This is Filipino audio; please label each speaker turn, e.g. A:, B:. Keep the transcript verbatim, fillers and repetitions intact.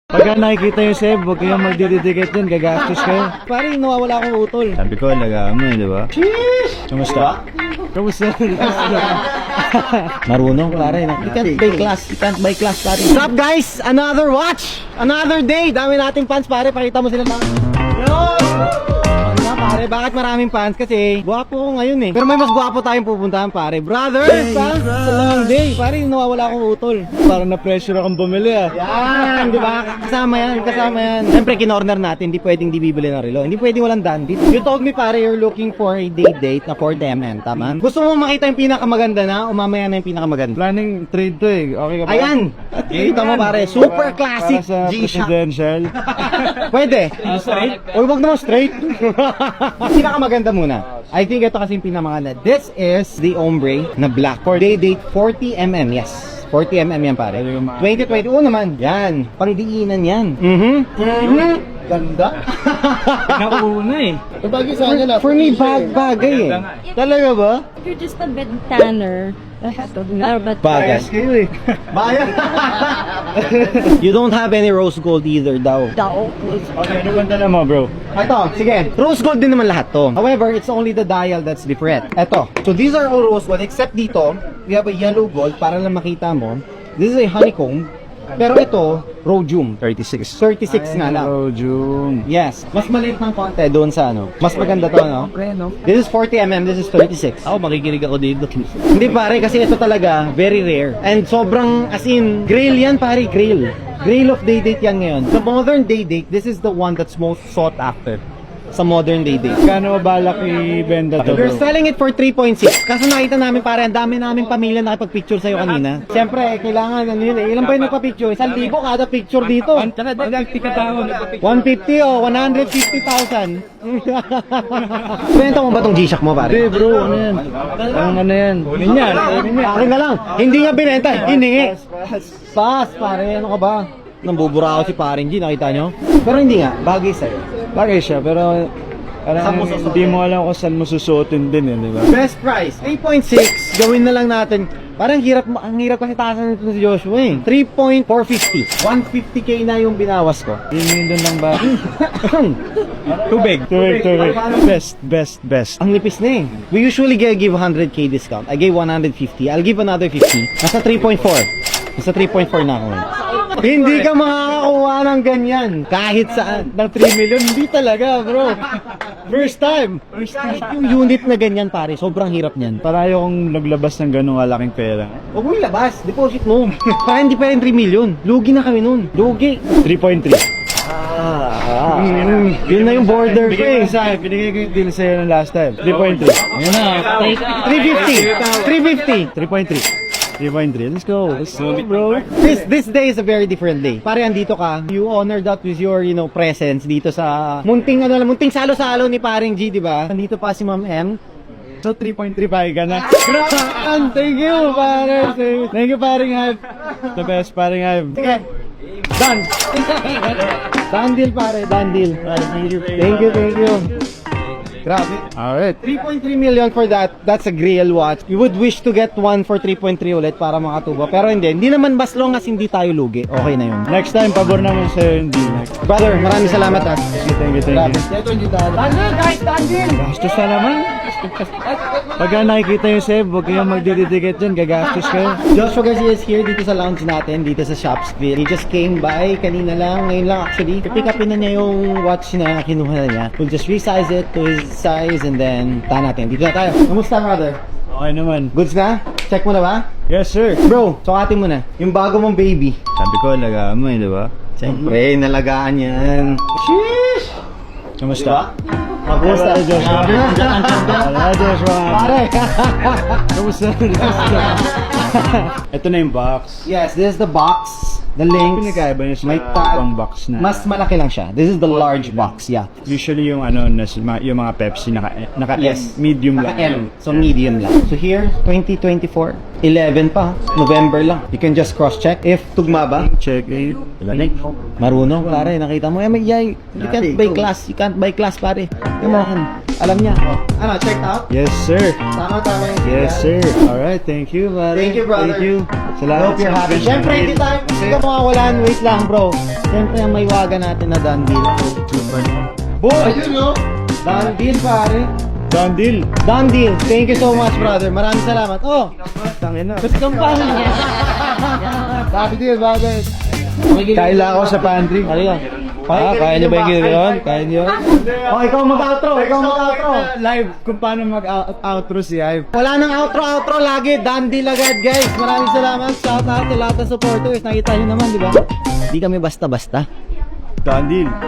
A: Pagka nakikita yung Seb, huwag kayong magdididikit dyan, gagastos kayo.
B: Parang nawawala akong utol.
A: Sabi ko, alagaan mo eh, di ba? Sheesh! Kamusta? Kamusta?
B: Marunong, pare. You can't buy class. You can't buy class, pare. What's up, guys? Another watch! Another day! Dami nating fans, pare. Pakita mo sila na. Yo! Ano na, pare? Bakit maraming fans? Kasi guwapo ko ngayon eh. Pero may mas guwapo tayong pupuntahan, pare. Brother! Fans! Sa long day. Pare, nawawala akong utol.
A: Parang na-pressure akong bumili ah.
B: Yan, di ba? Kasama yan, kasama yan. Siyempre, kinorner natin, hindi pwedeng di bibili ng relo. Hindi pwedeng walang dandit. You told me, pare, you're looking for a date date na four M M, tama? Gusto mo makita yung pinakamaganda na o mamaya na yung pinakamaganda?
A: Planning trade to eh. Okay ka ba?
B: Ayan! Kita mo, pare, super classic
A: Para sa
B: G-Shock.
A: presidential.
B: Pwede. Straight? O, wag naman straight. Pinakamaganda muna. I think ito kasi yung pinakamaganda. This is the ombre na black for day date forty M M, yes. forty M M yan, pare. twenty twenty, oo naman. Yan. Pangdiinan yan. Mhm. Mhm. Ganda.
A: Nauna eh.
B: Bagay sa kanya na. For me, bag bagay eh. Talaga ba?
C: If you're just a bed tanner, that's but
B: Bagay.
A: kayo eh.
B: Bayan. You don't have any rose gold either daw.
C: daw.
A: Okay, ano banda na mo bro?
B: Ito, sige. Rose gold din naman lahat to. However, it's only the dial that's different. Ito. So these are all rose gold except dito, we have a yellow gold para lang makita mo. This is a honeycomb. Pero ito, rhodium.
A: thirty-six.
B: thirty-six nga lang.
A: Oh, June.
B: Yes. Mas maliit ng konti doon sa ano. Mas maganda to, no?
A: Okay, no?
B: This is forty M M, this is thirty-six.
A: Ako, makikinig ako dito.
B: Hindi pare, kasi ito talaga, very rare. And sobrang, as in, grail yan pare, grail. Grail of day date yan ngayon. Sa modern day date, this is the one that's most sought after. Sa modern day date.
A: Kano mabalak i-benda to
B: We're
A: bro?
B: selling it for three point six. Kaso nakita namin pare, ang dami naming pamilya nakipag-picture sa'yo kanina. Siyempre, kailangan, ano yun eh. Ilan ba yung nagpa-picture? Isang libo kada picture dito. one fifty o one hundred fifty thousand. Benta mo ba tong G-Shock mo pare?
A: Hindi bro, ano yan? Ang ano yan? Kunin yan.
B: Akin na lang. Hindi nga binenta, hiningi. Pass, pare. Ano ka ba? Nambubura ako si Paring G, nakita nyo? Pero hindi nga, bagay sa'yo.
A: Bagay siya, pero
B: Saan mo
A: parang
B: susuotin?
A: hindi mo alam kung saan mo susuotin din eh, di ba?
B: Best price, three point six. Gawin na lang natin. Parang hirap, ang hirap kasi taasan nito si Joshua eh. three point four five zero. one fifty K na yung binawas ko.
A: Hindi doon lang ba? Tubig. Tubig, tubig. Best, best, best.
B: Ang nipis na eh. We usually give one hundred K discount. I gave one hundred fifty. I'll give another fifty. Nasa three point four. Nasa three point four na ako. Hindi ka makakakuha ng ganyan. Kahit saan. Ng three million, hindi talaga bro. First time. Kahit yung unit na ganyan pare, sobrang hirap niyan.
A: Para ayokong naglabas ng ganung kalaking pera.
B: Huwag mo ilabas. Deposit mo. Para hindi pa rin three million. Lugi na kami nun. Lugi.
A: three point three.
B: Ah, mm, yun na yung border ko
A: Binigay
B: eh.
A: ko sa akin, binigay ko yung deal sa'yo ng last time. three point three. Ayan na.
B: three fifty. three fifty.
A: three point three. three point three. Let's go. Let's go, bro.
B: This this day is a very different day. Pare andito ka, you honored that with your, you know, presence dito sa munting ano, munting salo-salo ni Paring G, di ba? Nandito pa si Ma'am M.
A: So, three point three pa ka na. Grabe! Thank you, pare. Thank you, paring Hype. The best, paring Hype.
B: Sige. Done. Done deal pare, done deal. Thank you, thank you. Thank you. Grabe.
A: Alright.
B: three point three million for that. That's a grail watch. You would wish to get one for three point three ulit para makatubo. Pero hindi. Hindi naman as long as hindi tayo lugi. Okay na yun.
A: Next time, pabor naman sa'yo yung deal.
B: Brother, maraming salamat ha.
A: Thank you, thank you.
B: Ito yung dito. Done deal guys, done deal.
A: Gastos na naman. Pagka nakikita yung Seb, huwag kayong magdididikit dyan, gagastos kayo.
B: Joshua Garcia is here dito sa lounge natin, dito sa Shopsville. He just came by kanina lang, ngayon lang actually. Pick upin na niya yung watch na kinuha na niya. We'll just resize it to his size and then tahan natin. Dito na tayo. Kamusta brother?
A: Okay naman.
B: Goods na? Check mo na ba?
A: Yes, sir.
B: Bro, sukatin mo na. Yung bago mong baby.
A: Sabi ko, alagaan mo eh, di ba?
B: Siyempre, nalagaan yan. Sheesh!
A: Kamusta?
B: Kamusta?
A: Hello, Joshua. Hello, Joshua.
B: Pare!
A: Kamusta? Ito na yung box.
B: Yes, this is the box. The links.
A: Pinagkaiba niya sa
B: May tag.
A: ibang box na.
B: Mas malaki lang siya. This is the large box, yeah.
A: Usually yung ano, nas- ma- yung mga Pepsi naka, naka
B: Yes.
A: medium
B: Naka
A: lang.
B: M. So medium lang. So here, twenty twenty-four. eleven pa, November lang. You can just cross-check. If tugma ba?
A: Check it.
B: Marunong, pare. Nakita mo. Eh, may, yeah, you can't buy class. You can't buy class, pare. Come on. Alam niya. Ano, checked out?
A: Yes, sir.
B: Tama, tama yung
A: Yes,
B: siya.
A: sir. Alright, thank you, pare.
B: Thank you, brother.
A: Thank you. Salamat.
B: Hope you're happy. Siyempre, hindi tayo, hindi ka makawalan. Wait lang, bro. Siyempre, ang may waga natin na done deal. Boy! Ayun, no? Done deal, pare.
A: Done deal.
B: Done deal. Thank you so much, brother. Maraming salamat. Oh!
A: Tangin na.
B: Ba't kang paano niya? Happy deal, brother.
A: Kaila ako sa pantry.
B: Halika.
A: Ah, kaya niyo ba yung gano'n? Kaya niyo?
B: Oh, ikaw mag-outro. Ikaw mag-outro.
A: Live kung paano mag-outro si Ive.
B: Wala nang outro-outro lagi. Done deal agad, guys. Maraming salamat. Shout out sa lahat ng supporters. Nakita nyo naman, di ba? Di kami basta-basta.
A: Done deal.